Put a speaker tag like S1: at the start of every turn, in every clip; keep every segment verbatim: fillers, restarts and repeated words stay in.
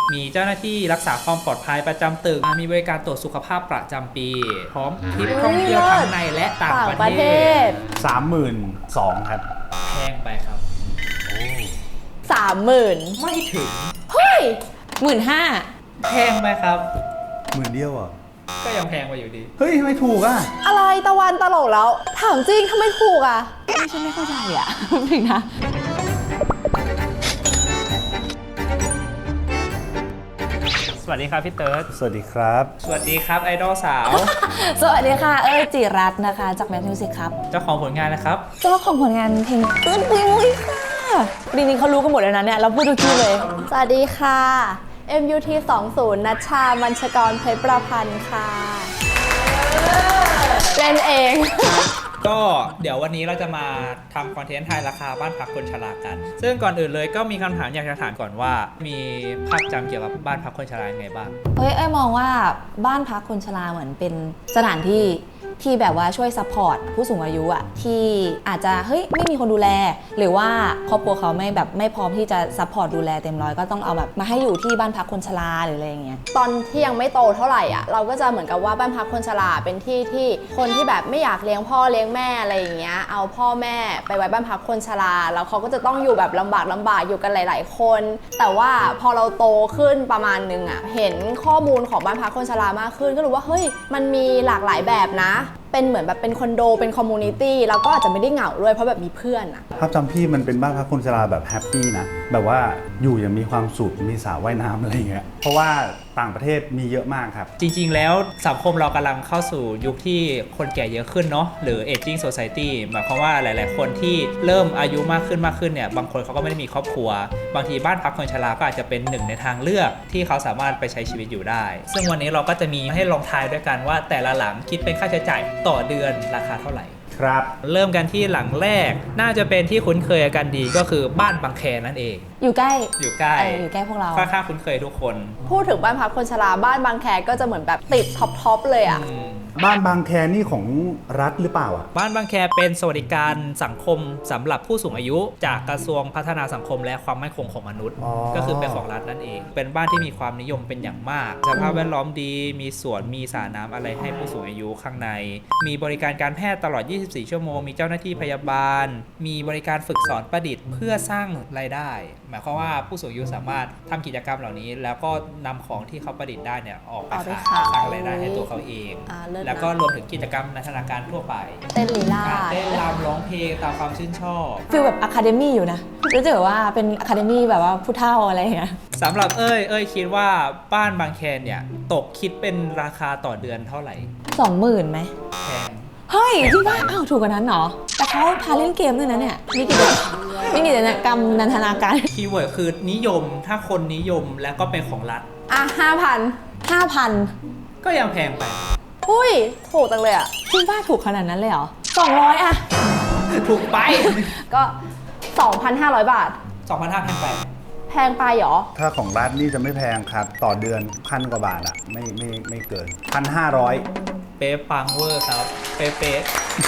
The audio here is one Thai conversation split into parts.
S1: มีเจ้าหน้าที่รักษาความปลอดภัยประจำตึกมีบริการตรวจสุขภาพประจำปีพร้อมทริปท่องเที่ยวทั้งในและต่างประเทศ
S2: สามหมื่นสองครับ
S1: แพงไปครับ
S3: สามหมื่น
S1: ไม่ถึง
S3: เฮ้ยหมื่นห้า
S1: แพงไปครับ
S2: หมื่นเดียวอ่ะ
S1: ก็ยังแพงไปอยู่ดี
S2: เฮ้ยทำไมถูกอ่ะ
S3: อะไรตะวันตลกแล้วถามจริงทำไมถูกอ่ะไม่ฉันไม่เข้าใจอ่ะถึงนะ
S1: สวัสดีครับพี่เติร์ด
S2: สวัสดีครับ
S1: สวัสดีครับไอดอลสาว
S3: สวัสดีค่ะเอ้ยจิรัตน์นะคะจากแมทมิวสิกครับ
S1: เจ้าของผลงานนะครับ
S3: เจ้าของผลงานเพลงตื้นปุยค่ะจริงๆเขารู้กันหมดแล้วนะเนี่ยเราพูดทุกทีเลยสวัสดีค่ะ เอ็ม ยู ที สองสิบ นัชชามัญชกรเพชรประพันธ์ค่ะเล่นเอง
S1: ก็เดี๋ยววันนี้เราจะมาทำคอนเทนต์ทายราคาบ้านพักคนชรากันซึ่งก่อนอื่นเลยก็มีคำถามอยากจะถามก่อนว่ามีภาพจำเกี่ยวกับบ้านพักคนชราไงบ้าง
S3: เฮ้ยไอ้มองว่าบ้านพักคนชราเหมือนเป็นสถานที่ที่แบบว่าช่วยซัพพอร์ตผู้สูงอายุอะที่อาจจะเฮ้ยไม่มีคนดูแลหรือว่าครอบครัวเขาไม่แบบไม่พร้อมที่จะซัพพอร์ตดูแลเต็มร้อยก็ต้องเอาแบบมาให้อยู่ที่บ้านพักคนชราหรืออะไรอย่างเงี้ยตอนที่ยังไม่โตเท่าไหร่อะเราก็จะเหมือนกับว่าบ้านพักคนชราเป็นที่ที่คนที่แบบไม่อยากเลี้ยงพ่อเลี้ยงแม่อะไรอย่างเงี้ยเอาพ่อแม่ไปไว้บ้านพักคนชราแล้วเขาก็จะต้องอยู่แบบลำบากลำบากอยู่กันหลายๆคนแต่ว่าพอเราโตขึ้นประมาณนึงอะเห็นข้อมูลของบ้านพักคนชรามากขึ้นก็รู้ว่าเฮ้ยมันมีหลากหลายแบบนะเป็นเหมือนแบบเป็นคอนโดเป็นคอมมูนิตี้แล้วก็อาจจะไม่ได้เหงาด้วยเพราะแบบมีเพื่อนอะ
S2: ภาพจำพี่มันเป็นบ้านพักคนชราแบบแฮปปี้นะแบบว่าอยู่อย่างมีความสุขมีสระว่ายน้ำอะไรอย่างเงี้ยเพราะว่าต่างประเทศมีเยอะมากครับ
S1: จริงๆแล้วสังคมเรากำลังเข้าสู่ยุคที่คนแก่เยอะขึ้นเนาะหรือ aging society หมายความว่าหลายๆคนที่เริ่มอายุมากขึ้นมากขึ้นเนี่ยบางคนเขาก็ไม่ได้มีครอบครัวบางทีบ้านพักคนชราก็อาจจะเป็นหนึ่งในทางเลือกที่เขาสามารถไปใช้ชีวิตอยู่ได้ซึ่งวันนี้เราก็จะมีให้ลองทายด้วยกันว่าแต่ละหลังคิดเป็นค่าใช้จ่ายต่อเดือนราคาเท่าไหร่
S2: ครับ
S1: เริ่มกันที่หลังแรกน่าจะเป็นที่คุ้นเคยกันดีก็คือบ้านบางแคนั่นเอง
S3: อยู่ใกล้
S1: อยู่ใกล้
S3: อยู่ใกล้พวกเรา
S1: ค่อนข้างคุ้นเคยทุกคน
S3: พูดถึงบ้านพักคนชราบ้านบางแคก็จะเหมือนแบบติดท็อปท็อปเลยอ่ะ
S2: บ้านบางแคนี่ของรัฐหรือเปล่าอ่ะ
S1: บ้านบางแคเป็นสวัสดิการสังคมสำหรับผู้สูงอายุจากกระทรวงพัฒนาสังคมและความมั่นคงของมนุษย์ก็คือเป็นของรัฐนั่นเองเป็นบ้านที่มีความนิยมเป็นอย่างมากสภาพแวดล้อมดีมีสวนมีสระน้ำอะไรให้ผู้สูงอายุข้างในมีบริการการแพทย์ตลอดยี่สิบสี่ชั่วโมงมีเจ้าหน้าที่พยาบาลมีบริการฝึกสอนประดิษฐ์เพื่อสร้างรายได้หมายความว่าผู้สูงอายุสามารถทำกิจกรรมเหล่านี้แล้วก็นำของที่เขาประดิษฐ์ได้เนี่ยออกไปขายสร้างรายได้ให้ตัวเขาเองแล้วก็รวมถึงกิจกรรมนันทนาการทั่วไป
S3: เต้นลีลา
S1: เต้นรำร้องเพลงตามความชื่นชอบ
S3: ฟีลแบบอะคาเดมี่อยู่นะรู้สึกว่าเป็นอะคาเดมี่แบบว่าผู้เฒ่าอะไรอย่างเงี้ย
S1: สำหรับเอ้ยเอ้ยคิดว่าบ้านบางแคเนี่ยตกคิดเป็นราคาต่อเดือนเท่าไหร่
S3: สองหมื่นไหม
S1: แพง
S3: เฮ้ยที่ว่าอ้าวถูกกว่านั้นเหรอแต่เขาพาเล่นเกมด้วยนะเนี่ยมีกิจกรรมมีกิจกรรมนันทนาการ
S1: คีย์เวิร์ดคือนิยมถ้าคนนิยมแล้วก็เป็นของรัฐ
S3: อ่ะห้าพันห้าพัน
S1: ก็ยังแพงไป
S3: อุ้ยถูกจังเลยอ่ะจริงป้าถูกขนาดนั้นเลยเหรอสองร้อยอ่ะ
S1: ถูกไป
S3: ก็ สองพันห้าร้อย บาท
S1: สองพันห้าร้อย แพงไป
S3: แพงไปเหรอ
S2: ถ้าของรัฐนี่จะไม่แพงครับต่อเดือนพันกว่าบาทอ่ะไม่ไม่ไม่เกิน หนึ่งพันห้าร้อย
S1: เป๊ะปังเวอร์ครับเป๊ะเป๊ะ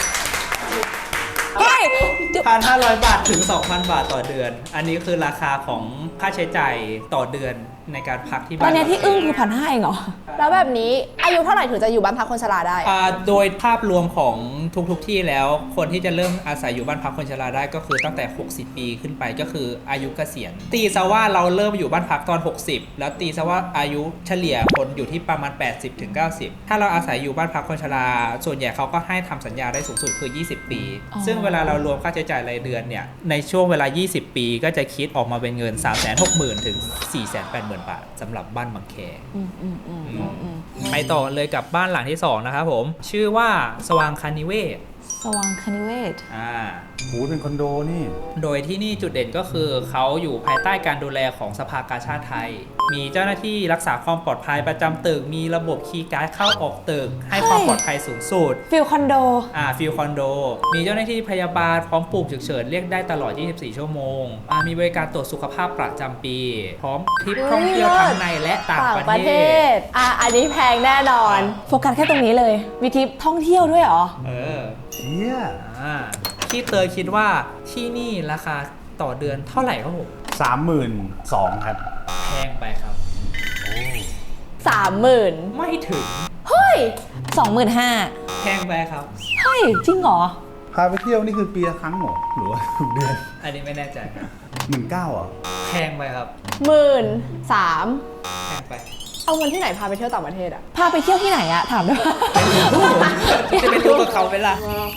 S3: เฮ้ย
S1: หนึ่งพันห้าร้อย บาทถึง สองพัน บาทต่อเดือนอันนี้คือราคาของค่าใช้จ่ายต่อเดือนในการพักที่บ้าน
S3: ตอนนี้ที่อึ้งคือพันห้าเองเหรอแล้วแบบนี้อายุเท่าไหร่ถึงจะอยู่บ้านพักคนชราได้
S1: โดยภาพรวมของทุกๆที่แล้วคนที่จะเริ่มอาศัยอยู่บ้านพักคนชราได้ก็คือตั้งแต่หกสิบปีขึ้นไปก็คืออายุเกษียณตีซะว่าเราเริ่มอยู่บ้านพักตอนหกสิบแล้วตีซะว่าอายุเฉลี่ยคนอยู่ที่ประมาณ แปดสิบถึงเก้าสิบ ถ้าเราอาศัยอยู่บ้านพักคนชราส่วนใหญ่เขาก็ให้ทำสัญญาได้สูงสุดคือยี่สิบปีซึ่งเวลาเรารวมค่าใช้จ่ายรายเดือนเนี่ยในช่วงเวลายี่สิบปีก็จะคิดออกมาเป็นเงิน สามแสนหกหมื่น ถึง สี่แสนแปดหมื่น บาทสำหรับบ้านบางแคไปต่อเลยกับบ้านหลังที่สองนะครับผมชื่อว่าสว่างคณิเวศ
S3: สว่างคณิเวศ
S1: อ่า
S2: โหเป็นคอนโดนี่
S1: โดยที่นี่จุดเด่นก็คือเขาอยู่ภายใต้การดูแลของสภากาชาดไทยมีเจ้าหน้าที่รักษาความปลอดภัยประจำตึกมีระบบคีย์การ์ดเข้าออกตึกให้ความปลอดภัยสูงสุด
S3: ฟิลคอนโด
S1: อ่าฟิลคอนโดมีเจ้าหน้าที่พยาบาลพร้อมปุ่มฉุกเฉินเรียกได้ตลอดยี่สิบสี่ชั่วโมงอ่ามีบริการตรวจสุขภาพประจำปีพร้อมทริปท่องเที่ยวทั้งในและต่างประเทศ
S3: อ่าอันนี้แพงแน่นอนโฟกัสแค่ตรงนี้เลยมีทริปท่องเที่ยวด้วยเหรอ
S1: เออ
S2: เชี่ย
S1: อ่าพี่เตยคิดว่าที่นี่ราคาต่อเดือนเท่าไหร่ครับผม
S2: สามหมื่นสองครับ
S1: แพงไปครับ
S3: ามหมื่น
S1: ไม่ถึง
S3: เฮ้ยสองหมื่นห้า
S1: แพงไปครับ
S3: เฮ้ย จริงเหรอ
S2: พาไปเที่ยวนี่คือปีละครั้งเหรอหรือว่าทุกเดือน
S1: อันนี้ไม่แน่ใจครับ
S2: หมื่นเก้าอ่ะ
S1: แพงไปครับ
S4: หมื่นสาม
S1: แพงไป
S4: เอาเงินที่ไหนพาไปเที่ยวต่างประเทศอะ
S3: พาไปเที่ยวที่ไหนอะถามได้ปะ
S1: จะไปรู้กับเขาเวลา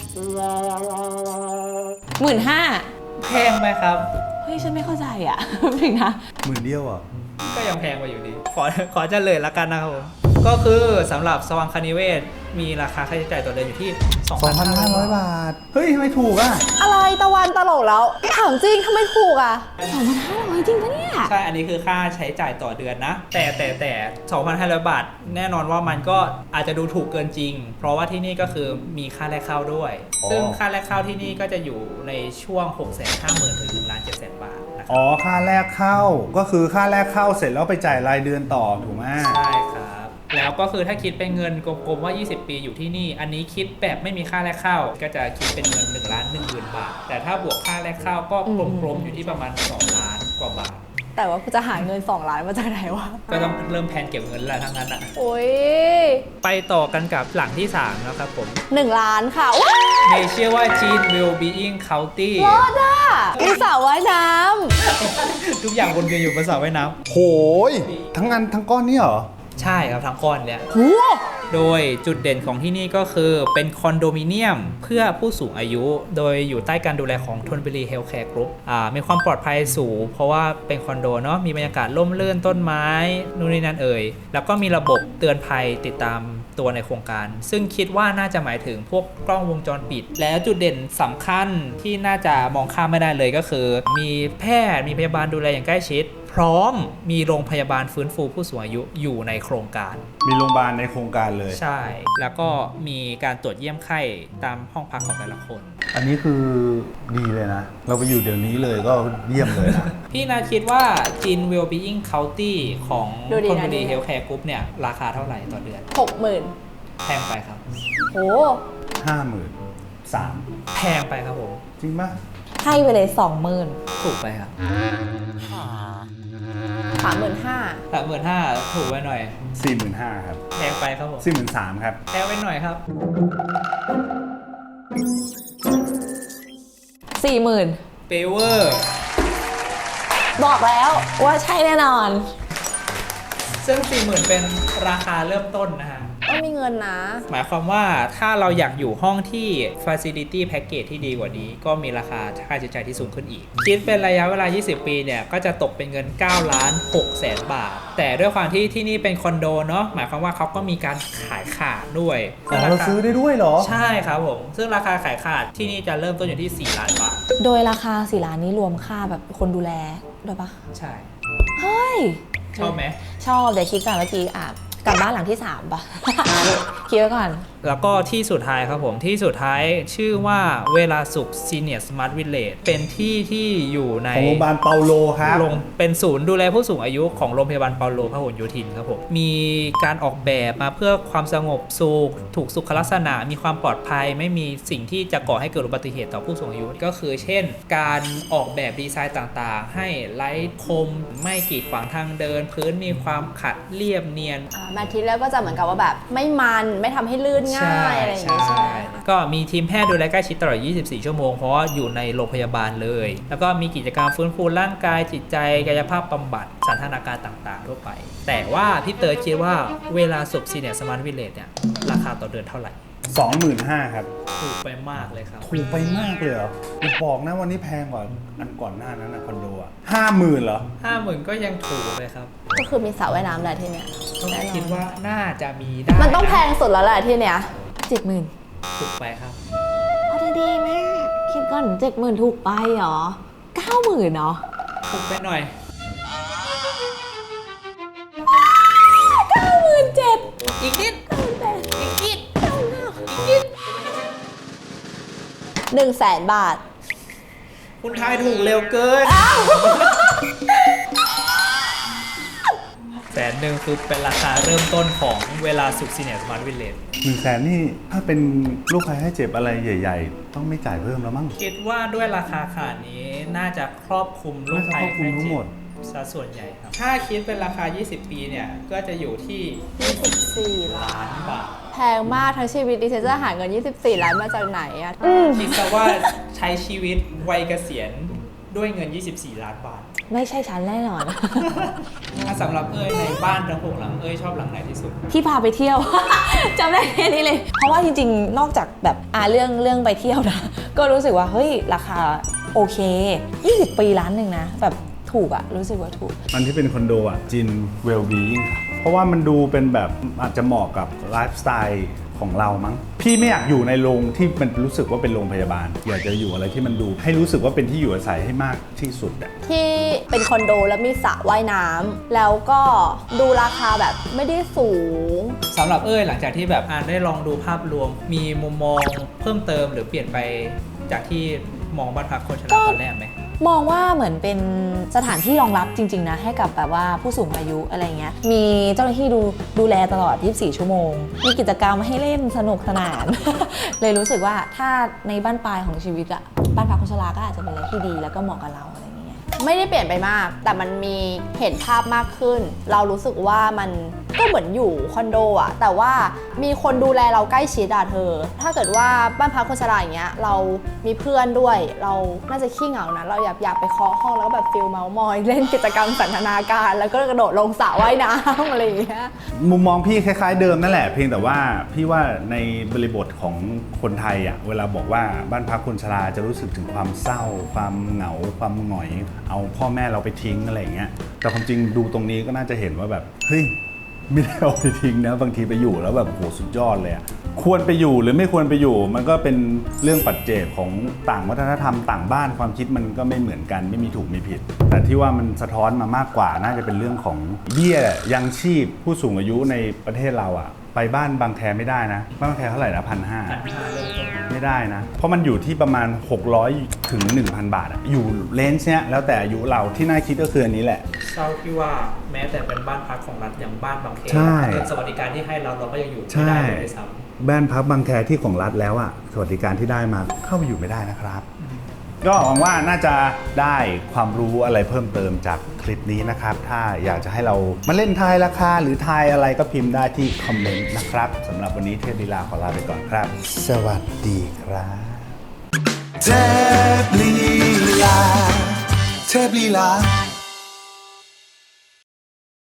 S3: หมื่นห้า
S1: แพงไหมครับ
S3: เฮ้ย ฉันไม่เข้าใจอะ ถึงนะ
S2: หมื่นเดียวอ่ะ
S1: ก็ยังแพงกว่าอยู่ดี ขอขอเฉลยละกันนะครับผม ก็คือสำหรับสว่างคณิเวศมีราคาค่าใช้จ่ายต่อเดือนอยู่ที่
S2: สองพันห้าร้อย บาท เฮ้ยทำไมถูกอ่ะ
S4: อะไรตะวันตลกแล้ว ถามจริงทำไมถูกอะ
S3: สองพันห้าร้อยจริงปะเนี่ย
S1: ใช่ อันนี้คือค่าใช้จ่ายต่อเดือนนะ แต่แต่แต่ สองพันห้าร้อย บาท แน่นอนว่ามันก็อาจจะดูถูกเกินจริง เพราะว่าที่นี่ก็คือมีค่าแรกเข้าด้วย
S2: อ๋อ
S1: ซึ่งค่าแรกเข้าที่นี่ก็จะอยู่ในช่วง หกแสนห้าหมื่น ถึง หนึ่งล้านเจ็ดแสน บาทนะครับ
S2: อ๋อ ค่าแรกเข้า ก็คือค่าแรกเข้าเสร็จแล้วไปจ่ายรายเดือนต่อถูกไหม
S1: ใช่ครับ แล้วก็คือถ้าคิดเป็นเงินกลมๆว่า ยี่สิบ ปีอยู่ที่นี่ อันนี้คิดแบบไม่มีค่าแรกเข้า ก็จะคิดเป็นเงิน1ล้าน1หมื่นบาท แต่ถ้าบวกค่าแรกเข้าก็กลมๆอยู่ที่ประมาณสองล้านกว่าบาท
S4: แต่ว่ากูจะหาเงินสองล้านมาจากไหนวะ
S1: ก็ต้องเริ่มแพลนเก็บเงินแล้วทั้งนั้นอ่ะ
S4: โอ้ย
S1: ไปต่อกันกับหลังที่สามนะครับผม
S4: หนึ่งล้านค่ะว้า
S1: ในชื่อว่า Jean Wellbeing County
S4: รอดอ่ะมีสระว่ายน้
S1: ทุกอย่างวนเวียนอยู่บนสระว่ายน้
S2: โหย ทั้งงานทั้งก้อนนี่เหรอ
S1: ำใช่ครับทั้งก้อนเนี่ย
S4: ำหู
S1: โดยจุดเด่นของที่นี่ก็คือเป็นคอนโดมิเนียมเพื่อผู้สูงอายุ โดยอยู่ใต้การดูแลของ Thornbury Healthcare Group อ่ามีความปลอดภัยสูง เพราะว่าเป็นคอนโดเนาะมีบรรยากาศร่มรื่นต้นไม้นู่นนี่นั่นเอ่ยแล้วก็มีระบบเตือนภัยติดตามตัวในโครงการ ซึ่งคิดว่าน่าจะหมายถึงพวกกล้องวงจรปิด และจุดเด่นสำคัญที่น่าจะมองข้ามไม่ได้เลยก็คือ มีแพทย์มีพยาบาลดูแลอย่างใกล้ชิด พร้อมมีโรงพยาบาลฟื้นฟูผู้สูงอายุอยู่ในโครงการ
S2: มีโรงพยาบาลในโครงการเลย
S1: ใช่ แล้วก็มีการตรวจเยี่ยมไข้ตามห้องพักของแต่ละคน
S2: อันนี้คือดีเลยนะ เราไปอยู่เดี๋ยวนี้เลยก็เยี่ยมเลยนะ
S1: พี่นาคิดว่า Jean Wellbeing County ของ Thornbury Healthcare Group เนี่ย ราคาเท่าไหร่ต่อเดือน
S4: หกหมื่น
S1: แพงไปครับ
S4: โห
S2: ห้าหมื่นสาม
S1: แพงไปครับผม
S2: จริงปะ
S3: ให้ไปเลยสองหมื่น
S1: ถูกไปครับ
S4: สามหมื่นห้า
S1: สามหมื่นห้าถูกไปหน่อย
S2: สี่หมื่นห้าครับ
S1: แพงไปครับผม
S2: สี่หมื่นสามครับ
S1: แพงไปหน่อยครับ
S3: สี่หมื่น
S1: เปเวอร์
S3: บอกแล้วว่าใช่แน่นอน
S1: ซึ่ง สี่หมื่น เป็นราคาเริ่มต้นนะฮะ
S4: ต้องมีเงินนะ
S1: หมายความว่าถ้าเราอยากอยู่ห้องที่ Facility Package ที่ดีกว่านี้ ก็มีราคาค่าใช้จ่ายที่สูงขึ้นอีก คิดเป็นระยะเวลา ยี่สิบ ปีเนี่ย ก็จะตกเป็นเงิน เก้าล้านหกแสน บาท แต่ด้วยความที่ที่นี่เป็นคอนโดเนาะ หมายความว่าเขาก็มีการขายขาดด้วย
S2: อ๋อเราซื้อได้ด้วยเหรอ
S1: ใช่ครับผม ซึ่งราคาขายขาดที่นี่จะเริ่มต้นอยู่ที่ สี่ล้านบาท
S3: โดยราคาสี่ล้านนี้รวมค่าแบบคนดูแลด้วยปะ
S1: ใช่
S3: เฮ้ย
S1: ชอบไหม
S3: ชอบเดี๋ยวคิดก่อนเมื่อกี้อ่ะกลับบ้านหลังที่สามปะ คิดไว้ก่อน
S1: แล้วก็ที่สุดท้ายครับผมที่สุดท้ายชื่อว่าเวลาสุข Senior Smart Village เป็นที่ที่อยู่ใน
S2: ของโรงพยาบาลเปาโลครับ
S1: โรงเป็นศูนย์ดูแลผู้สูงอายุของโรงพยาบาลเปาโลพหลโยธินครับผมมีการออกแบบมาเพื่อความสงบสุขถูกสุขลักษณะมีความปลอดภัย ไม่มีสิ่งที่จะก่อให้เกิดอุบัติเหตุต่อผู้สูงอายุ ก็คือเช่น การออกแบบดีไซน์ต่างๆ ให้ไร้คมไม่กีดขวางทางเดิน พื้นมีความขัดเรียบเนียน
S4: อ่าแมททีแล้วก็จะเหมือนกับว่าแบบไม่มันไม่ทำให้ลื่นง่ายอะไรอย่างเงี้ยใช่ไหม
S1: ก็มีทีมแพทย์ดูแลใกล้ชิดตลอด ยี่สิบสี่ ชั่วโมง เพราะว่าอยู่ในโรงพยาบาลเลย แล้วก็มีกิจกรรมฟื้นฟูร่างกายจิตใจกายภาพบำบัดสันทนาการต่างๆ ทั่วไป แต่ว่าพี่เต๋อคิดว่าเวลาสุขซีเนียร์สมาร์ทวิลเลจเนี่ย ราคาต่อเดือนเท่าไหร่
S2: สองหมื่นห้าครับ
S1: ถูกไปมากเลยครับ
S2: ถูกไปมากเลยเหรออย่าบอกนะวันนี้แพงกว่าอันก่อนหน้านั้นนะคอนโดอ่ะห้าหมื่นเหรอ
S1: ห้าหมื่นก็ยังถูกเลยครับ
S4: ก็คือมีสระว่ายน้ำแหละที่เนี้ย
S1: ต้อง
S4: แน่นอน
S1: คิดว่าน่าจะมีได้
S4: มันต้องแพงสุดแล้วแหละที่เนี้ย
S3: เจ็ดหมื่น
S1: ถูกไปครับ
S3: เอาดีๆแม่คิดก่อนเจ็ดหมื่นถูกไปเหรอเก้าหมื่นเนาะ
S1: ถูกไปหน่อย
S3: เก้าหมื่นเจ็ด
S1: อีกนิด
S3: อีกนิดอีกนิด
S4: หนึ่งแสนบาท
S1: คุณทายถูกเร็วเกินแสนหนึ่งคือเป็นราคาเริ่มต้นของเวลาสุขซีเนียร์สมาร์ทวิลเลจ
S2: หนึ่งแสนนี่ถ้าเป็นลูกใครให้เจ็บอะไรใหญ่ ๆ ต้องไม่จ่ายเพิ่มแล้วมั้ง
S1: คิดว่าด้วยราคาขนาดนี้น่าจะครอบคลุมโรคภัย
S2: น่าจะครอบคลุมทั้งหมด
S1: ใซะส่วนใหญ่ครับ ถ้าคิดเป็นราคา ยี่สิบ ปีเนี่ย ก็จะอยู่ที่
S4: ยี่สิบสี่ล้า
S1: ล้าน นบาท
S4: แพงมากทั้งชีวิตดิฉันจะหาเงิน ยี่สิบสี่ ล้านมาจากไหนอะ
S1: คิดซะว่าใช้ชีวิตวัยเกษียณด้วยเงิน ยี่สิบสี่ ล้านบาท
S3: ไม่ใช่ฉันแน่นอน
S1: ถ้าสำหรับเอ้ยในบ้านทั้งหกหลังเอ้ยชอบหลังไหนที่สุด
S3: ที่พาไปเที่ยว จำได้แค่นี้เลย เพราะว่าจริงๆ นอกจากแบบอ่าเรื่องเรื่องไปเที่ยวนะ ก็รู้สึกว่าเฮ้ยราคาโอเค ยี่สิบ ปีล้านหนึ่งนะ แบบถูกอะรู้สึกว่าถูก
S2: อันที่เป็นคอนโดอ่ะจินเวลบียิ่งค่ะเพราะว่ามันดูเป็นแบบอาจจะเหมาะกับไลฟ์สไตล์ของเรามั้งพี่ไม่อยากอยู่ในโรงที่มันรู้สึกว่าเป็นโรงพยาบาล อยากจะอยู่อะไรที่มันดูให้รู้สึกว่าเป็นที่อยู่อาศัยให้มากที่สุดอ่ะ
S4: ที่เป็นคอนโดแล้วมีสระว่ายน้ำแล้วก็ดูราคาแบบไม่ได้สูง
S1: สำหรับเอ้ยหลังจากที่แบบอ่านได้ลองดูภาพรวม มีมุมมองเพิ่มเติมหรือเปลี่ยนไปจากที่มองบ้านพักคนชราตอนแรกไหม
S3: มองว่าเหมือนเป็นสถานที่รองรับจริงๆนะให้กับแบบว่าผู้สูงอายุอะไรเงี้ยมีเจ้าหน้าที่ดูดูแลตลอด ยี่สิบสี่ ชั่วโมง มีกิจกรรมให้เล่นสนุกสนาน เลยรู้สึกว่าถ้าในบ้านปลายของชีวิตอะบ้านพักคนชราก็อาจจะเป็นอะไรที่ดีแล้วก็เหมาะกับเราอะไรอย่างเงี้ย
S4: ไม่ได้เปลี่ยนไปมาก แต่มันมีเห็นภาพมากขึ้น เรารู้สึกว่ามันก็เหมือนอยู่คอนโดอะแต่ว่ามีคนดูแลเราใกล้ชิดอะเธอ ถ้าเกิดว่าบ้านพักคนชราอย่างเงี้ยเรามีเพื่อนด้วย เราน่าจะขี้เหงานะเราอยากอยากไปเคาะห้องแล้วก็แบบฟิลเมาส์มอยเล่นกิจกรรมสันทนาการ แล้วก็กระโดดลงสระว่ายน้ำอะไรอย่างเงี้ย
S2: มุมมองพี่คล้ายๆเดิมนั่นแหละเพียงแต่ว่าพี่ว่าในบริบทของคนไทยอ่ะเวลาบอกว่าบ้านพักคนชราจะรู้สึกถึงความเศร้า ความเหงาความหงอย เอาพ่อแม่เราไปทิ้งอะไรอย่างเงี้ยแต่ความจริงดูตรงนี้ก็น่าจะเห็นว่าแบบเฮ้ยไม่ได้เอาไปทิ้งนะบางทีไปอยู่แล้วแบบโหสุดยอดเลยอะควรไปอยู่หรือไม่ควรไปอยู่ มันก็เป็นเรื่องปัจเจกของต่างวัฒนธรรมต่างบ้านความคิดมันก็ไม่เหมือนกันไม่มีถูกมีผิด แต่ที่ว่ามันสะท้อนมามากกว่าน่าจะเป็นเรื่องของเบี้ยยังชีพผู้สูงอายุในประเทศเราอะไปบ้านบางแคไม่ได้นะบ้านบางแคเท่าไหร่นะพันห้าไม่ได้นะเพราะมันอยู่ที่ประมาณหกร้อยถึง หนึ่งพัน บาทอะอยู่เลนส์เนี้ยแล้วแต่อายุเราที่น่าคิดก็คืออันนี้แหละ
S1: เศร้าที่ว่าแม้แต่เป็นบ้านพักของรัฐอย่างบ้านบางเขน
S2: ใช่
S1: เงินสวัสดิการที่ให้เราเราก็ยังอยู่ไม่ได้เลยด้วยซ้ำ
S2: บ้านพักบางแคที่ของรัฐแล้วอะสวัสดิการที่ได้มาเข้าไปอยู่ไม่ได้นะครับ ก็หวังว่าน่าจะได้ความรู้อะไรเพิ่มเติมจากคลิปนี้นะครับ ถ้าอยากจะให้เรามาเล่นทายราคาหรือทายอะไรก็พิมพ์ได้ที่คอมเมนต์นะครับสำหรับวันนี้เทพลีลาขอลาไปก่อนครับ สวัสดีครับ
S5: เทพลีลาเทพลีลา